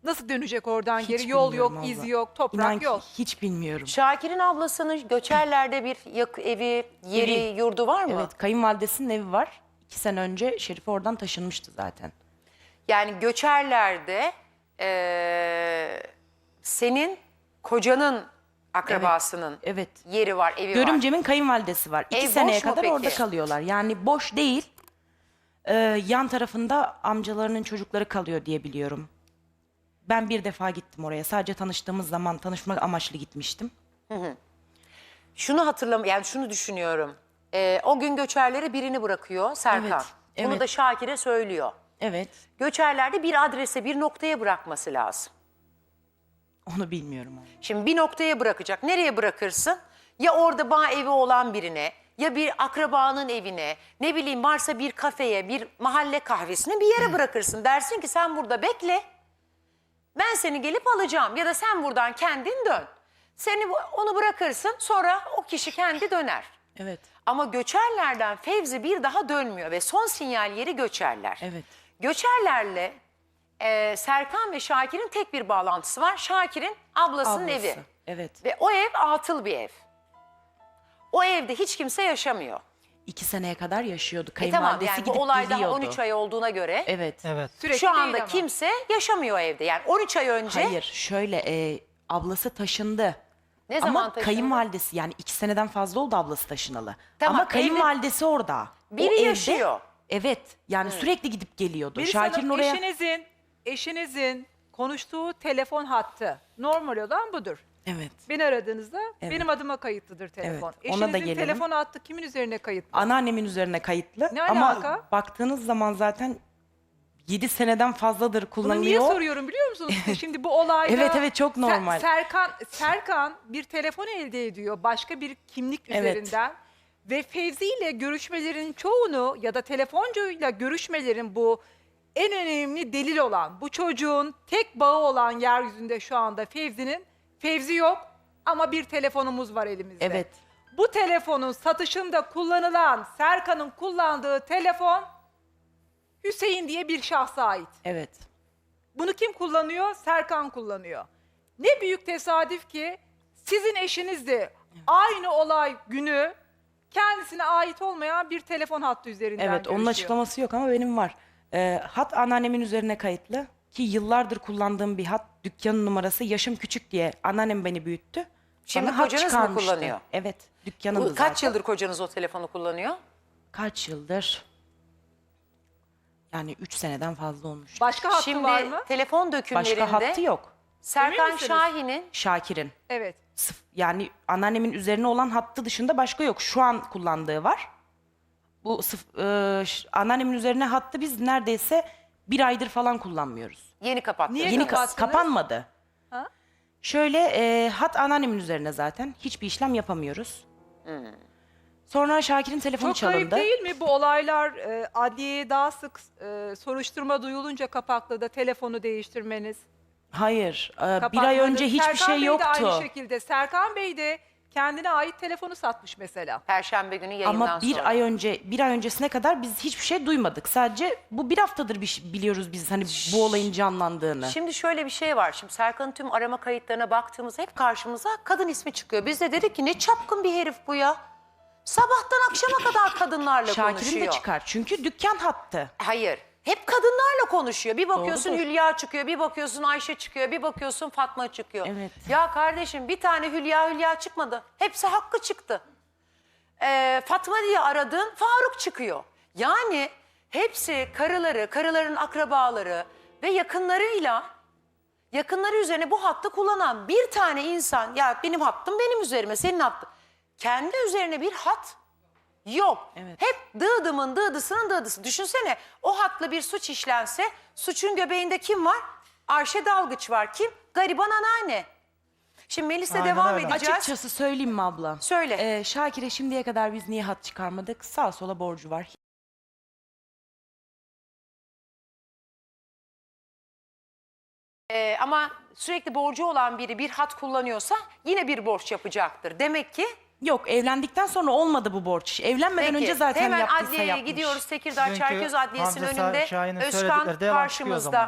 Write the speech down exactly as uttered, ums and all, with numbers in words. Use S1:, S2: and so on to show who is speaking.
S1: Nasıl dönecek oradan
S2: Hiç
S1: geri? Yol yok,
S2: bilmiyorum
S1: iz
S2: abla.
S1: yok, toprak
S2: İnan ki
S1: yok.
S2: hiç bilmiyorum.
S3: Şakir'in ablasının Göçerler'de bir yak- evi, yeri,
S2: Evi.
S3: yurdu var mı?
S2: Evet, kayınvalidesinin evi var. İki sene önce Şerife oradan taşınmıştı zaten.
S3: Yani Göçerler'de eee, senin kocanın akrabasının
S2: Evet.
S3: yeri var, evi var.
S2: Görümcemin kayınvalidesi var. İki
S3: Ev
S2: seneye
S3: boş mu
S2: kadar
S3: peki?
S2: orada kalıyorlar. Yani boş değil. Ee, yan tarafında amcalarının çocukları kalıyor diye biliyorum. Ben bir defa gittim oraya. Sadece tanıştığımız zaman tanışmak amaçlı gitmiştim.
S3: Şunu hatırlam, yani şunu düşünüyorum. Eee, o gün Göçerler'e birini bırakıyor Serkan.
S2: Evet,
S3: Bunu
S2: evet.
S3: da Şakir'e söylüyor.
S2: Evet.
S3: Göçerler'de bir adrese, bir noktaya bırakması lazım.
S2: Onu bilmiyorum. Ama.
S3: Şimdi bir noktaya bırakacak. Nereye bırakırsın? Ya orada bağ evi olan birine, ya bir akrabanın evine, ne bileyim varsa bir kafeye, bir mahalle kahvesine bir yere bırakırsın. Dersin ki sen burada bekle. Ben seni gelip alacağım ya da sen buradan kendin dön. Seni bu- onu bırakırsın, sonra o kişi kendi döner.
S2: Evet.
S3: Ama Göçerler'den Fevzi bir daha dönmüyor ve son sinyal yeri Göçerler.
S2: Evet.
S3: Göçerler'le e, Serkan ve Şakir'in tek bir bağlantısı var. Şakir'in ablasının
S2: Ablası.
S3: evi.
S2: Evet.
S3: Ve o ev atıl bir ev. O evde hiç kimse yaşamıyor.
S2: İki seneye kadar yaşıyordu.
S3: E tamam,
S2: Kayınvalidesi
S3: yani bu
S2: gidip
S3: olay daha
S2: geliyordu.
S3: on üç ay olduğuna göre
S2: Evet.
S4: Evet.
S1: Sürekli
S3: şu anda
S1: değil ama.
S3: kimse yaşamıyor evde. Yani on üç ay önce
S2: Hayır, şöyle e, ablası taşındı.
S3: Ne zaman
S2: Ama
S3: taşındı?
S2: kayınvalidesi, yani iki seneden fazla oldu ablası taşınalı.
S3: Tamam,
S2: Ama
S3: evde-
S2: kayınvalidesi orada. O
S3: biri
S2: evde-
S3: yaşıyor.
S2: Evet, yani sürekli gidip geliyordu.
S1: Melis
S2: Şakir'in
S1: Hanım,
S2: oraya...
S1: eşinizin, eşinizin konuştuğu telefon hattı normal olan budur.
S2: Evet.
S1: Beni aradığınızda
S2: Evet.
S1: benim adıma kayıtlıdır telefon.
S2: Evet, ona da
S1: Eşinizin
S2: gelelim.
S1: telefon hattı kimin üzerine kayıtlı?
S2: Anneannemin üzerine kayıtlı.
S1: Ne
S2: Ama
S1: alaka?
S2: baktığınız zaman zaten yedi seneden fazladır
S1: Bunu
S2: kullanılıyor.
S1: niye soruyorum biliyor musunuz? Şimdi bu olayda...
S2: Evet, evet, çok normal.
S1: Ser- Serkan, Serkan bir telefon elde ediyor başka bir kimlik
S2: Evet.
S1: üzerinden. Ve Fevzi ile görüşmelerin çoğunu ya da telefoncuyla görüşmelerin bu en önemli delil olan, bu çocuğun tek bağı olan yeryüzünde şu anda Fevzi'nin, Fevzi yok ama bir telefonumuz var elimizde.
S2: Evet.
S1: Bu telefonun satışında kullanılan, Serkan'ın kullandığı telefon Hüseyin diye bir şahsa ait.
S2: Evet.
S1: Bunu kim kullanıyor? Serkan kullanıyor. Ne büyük tesadüf ki sizin eşiniz de aynı olay günü kendisine ait olmayan bir telefon hattı üzerinden
S2: Evet, onun
S1: görüşüyor.
S2: açıklaması yok ama benim var. Ee, hat anneannemin üzerine kayıtlı. Ki yıllardır kullandığım bir hat, dükkanın numarası, yaşım küçük diye anneannem beni büyüttü.
S3: Şimdi
S2: Bana hat
S3: kocanız mı
S2: çıkarmıştı.
S3: kullanıyor?
S2: Evet, dükkanın
S3: Bu- kaç yıldır kocanız o telefonu kullanıyor?
S2: Kaç yıldır? Yani üç seneden fazla olmuş.
S1: Başka hattı
S3: Şimdi
S1: var mı?
S3: telefon dökümlerinde
S2: Başka hattı yok.
S3: Serkan
S1: Emin misiniz?
S3: Şahin'in
S2: Şakir'in.
S1: Evet.
S2: Sıf- Yani anneannemin üzerine olan hattı dışında başka yok. Şu an kullandığı var. Bu sıf- e, ş- anneannemin üzerine hattı biz neredeyse bir aydır falan kullanmıyoruz.
S3: yeni kapattı.
S1: Niye
S2: Yeni ka-
S1: kapattınız?
S2: kapanmadı.
S1: Ha?
S2: Şöyle e, hat anneannemin üzerine zaten. Hiçbir işlem yapamıyoruz. Sonra Şakir'in telefonu
S1: Çok kayıp
S2: çalındı.
S1: değil mi bu olaylar e, adliyeye daha sık e, soruşturma duyulunca Kapaklı'da telefonu değiştirmeniz?
S2: Hayır. e, bir ay
S1: Kapatmanız.
S2: önce hiçbir
S1: Serkan
S2: şey
S1: Bey de
S2: yoktu.
S1: aynı şekilde. Serkan Bey de kendine ait telefonu satmış mesela.
S3: Perşembe günü yayından
S2: Ama bir
S3: sonra.
S2: ay önce, bir ay öncesine kadar biz hiçbir şey duymadık. Sadece bu bir haftadır bir şey- biliyoruz biz hani bu olayın canlandığını.
S3: Şimdi şöyle bir şey var. Şimdi Serkan'ın tüm arama kayıtlarına baktığımızda hep karşımıza kadın ismi çıkıyor. Biz de dedik ki ne çapkın bir herif bu ya. Sabahtan akşama kadar kadınlarla
S2: Şakir'in
S3: konuşuyor.
S2: de çıkar. Çünkü dükkan hattı.
S3: Hayır. Hep kadınlarla konuşuyor. Bir bakıyorsun
S2: Doğrudur.
S3: Hülya çıkıyor, bir bakıyorsun Ayşe çıkıyor, bir bakıyorsun Fatma çıkıyor.
S2: Evet.
S3: Ya kardeşim bir tane Hülya Hülya çıkmadı. Hepsi Hakkı çıktı. Ee, Fatma diye aradığın Faruk çıkıyor. Yani hepsi karıları, karıların akrabaları ve yakınlarıyla, yakınları üzerine bu hattı kullanan bir tane insan, ya benim hattım benim üzerime, senin hattın. Kendi üzerine bir hat yok.
S2: Evet.
S3: Hep dıdımın dıdısının dıdısı. Düşünsene o hatla bir suç işlense suçun göbeğinde kim var? Ayşe Dalgıç var. Kim? Gariban anneanne. Şimdi Melis'le
S4: Aynen
S3: devam
S4: öyle.
S3: edeceğiz.
S2: Açıkçası söyleyeyim mi abla?
S3: Söyle.
S2: Ee, Şakir'e şimdiye kadar biz niye hat çıkarmadık? Sağa sola borcu var.
S3: Ee, ama sürekli borcu olan biri bir hat kullanıyorsa yine bir borç yapacaktır. Demek ki
S2: Yok, evlendikten sonra olmadı bu borç. Evlenmeden
S3: peki,
S2: önce zaten
S3: hemen
S2: yaptıysa
S3: adliyeye
S2: yapmış.
S3: gidiyoruz. Tekirdağ
S4: Çünkü
S3: Çerköz Adliyesi'nin
S4: Hamza
S3: önünde
S4: Şahin'in
S3: Özkan
S4: söyledikleri devam çıkıyor o
S3: karşımızda.
S4: zaman.